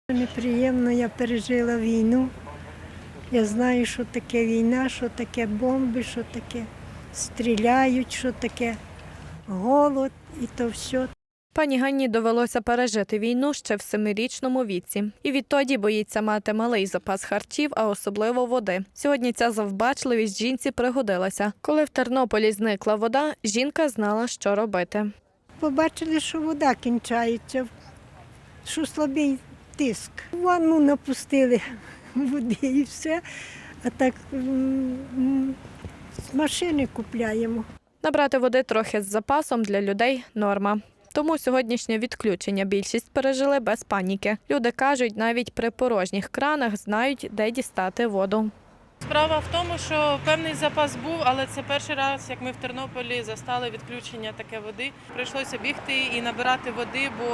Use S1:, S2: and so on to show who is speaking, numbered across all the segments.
S1: Неприємно, я пережила війну. Я знаю, що таке війна, що таке бомби, що таке стріляють, що таке голод і то все.
S2: Пані Ганні довелося пережити війну ще в 7-річному віці. І відтоді боїться мати малий запас харчів, а особливо води. Сьогодні ця завбачливість жінці пригодилася. Коли в Тернополі зникла вода, жінка знала, що робити.
S1: Побачили, що вода кінчається, що слабий тиск. В ванну напустили води і все, а так з машини купляємо.
S2: Набрати води трохи з запасом для людей – норма. Тому сьогоднішнє відключення більшість пережили без паніки. Люди кажуть, навіть при порожніх кранах знають, де дістати воду.
S3: Справа в тому, що певний запас був, але це перший раз, як ми в Тернополі застали відключення таке води. Прийшлося бігти і набирати води, бо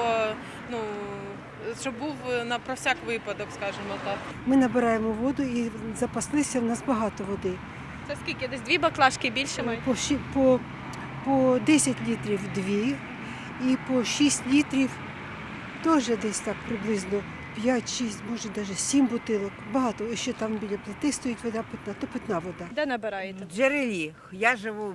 S3: щоб був про всяк випадок, скажімо так.
S4: Ми набираємо воду і запаслися, в нас багато води.
S2: Це скільки? Десь 2 баклажки більше мають?
S4: По 10 літрів 2 і по 6 літрів теж десь так приблизно 5-6, може навіть 7 бутилок. Багато. І ще там біля плити стоїть вода питна, то питна вода.
S2: Де набираєте?
S5: В джерелі. Я живу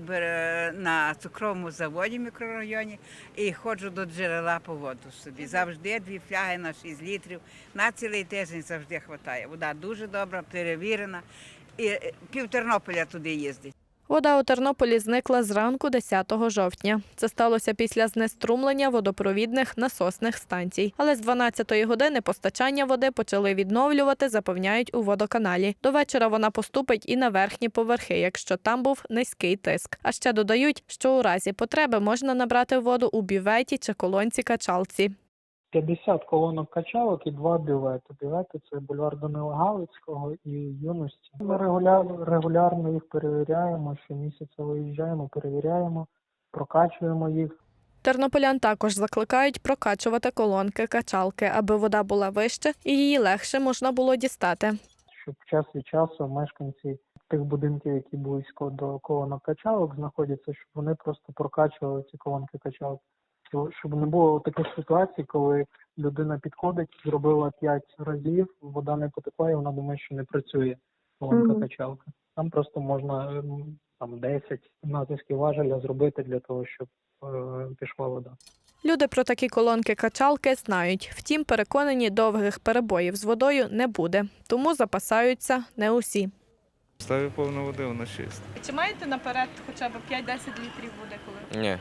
S5: на цукровому заводі в мікрорайоні і ходжу до джерела по воду собі. Завжди 2 фляги на 6 літрів. На цілий тиждень завжди вистачає. Вода дуже добра, перевірена. І пів Тернополя туди їздить.
S2: Вода у Тернополі зникла зранку 10 жовтня. Це сталося після знеструмлення водопровідних насосних станцій. Але з 12-ї години постачання води почали відновлювати, запевняють у водоканалі. До вечора вона поступить і на верхні поверхи, якщо там був низький тиск. А ще додають, що у разі потреби можна набрати воду у бюветі чи колонці-качалці.
S6: 50 колонок качалок і 2 бювети. Бювети – це бульвар Данила Галицького і Юності. Ми регулярно їх перевіряємо, щомісяця виїжджаємо, перевіряємо, прокачуємо їх.
S2: Тернополян також закликають прокачувати колонки-качалки, аби вода була вище і її легше можна було дістати.
S6: Щоб час від часу мешканці тих будинків, які близько до колонок качалок знаходяться, щоб вони просто прокачували ці колонки-качалки. Щоб не було таких ситуацій, коли людина підходить, зробила 5 разів, вода не потекла і вона думає, що не працює колонка-качалка. Там просто можна 10 натисків важеля зробити для того, щоб пішла вода.
S2: Люди про такі колонки-качалки знають. Втім, переконані, довгих перебоїв з водою не буде. Тому запасаються не усі.
S7: Ставлю повну води, вона чиста.
S2: Чи маєте наперед хоча б 5-10 літрів води?
S7: Ні.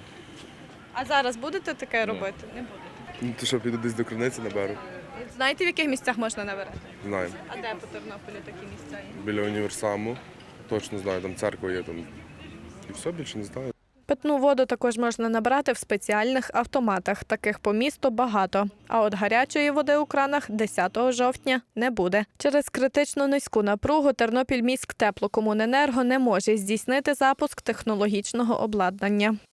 S2: А зараз будете таке робити? Не будете.
S8: Ну, то що, піду десь до криниці наберу?
S2: Знаєте, в яких місцях можна набирати?
S8: Знаю.
S2: А де по Тернополі такі місця є?
S8: Біля універсаму. Точно знаю, там церква є. Там. І все, більше не знаю.
S2: Питну воду також можна набрати в спеціальних автоматах. Таких по місту багато. А от гарячої води у кранах 10 жовтня не буде. Через критично низьку напругу Тернопільміськтеплокомуненерго не може здійснити запуск технологічного обладнання.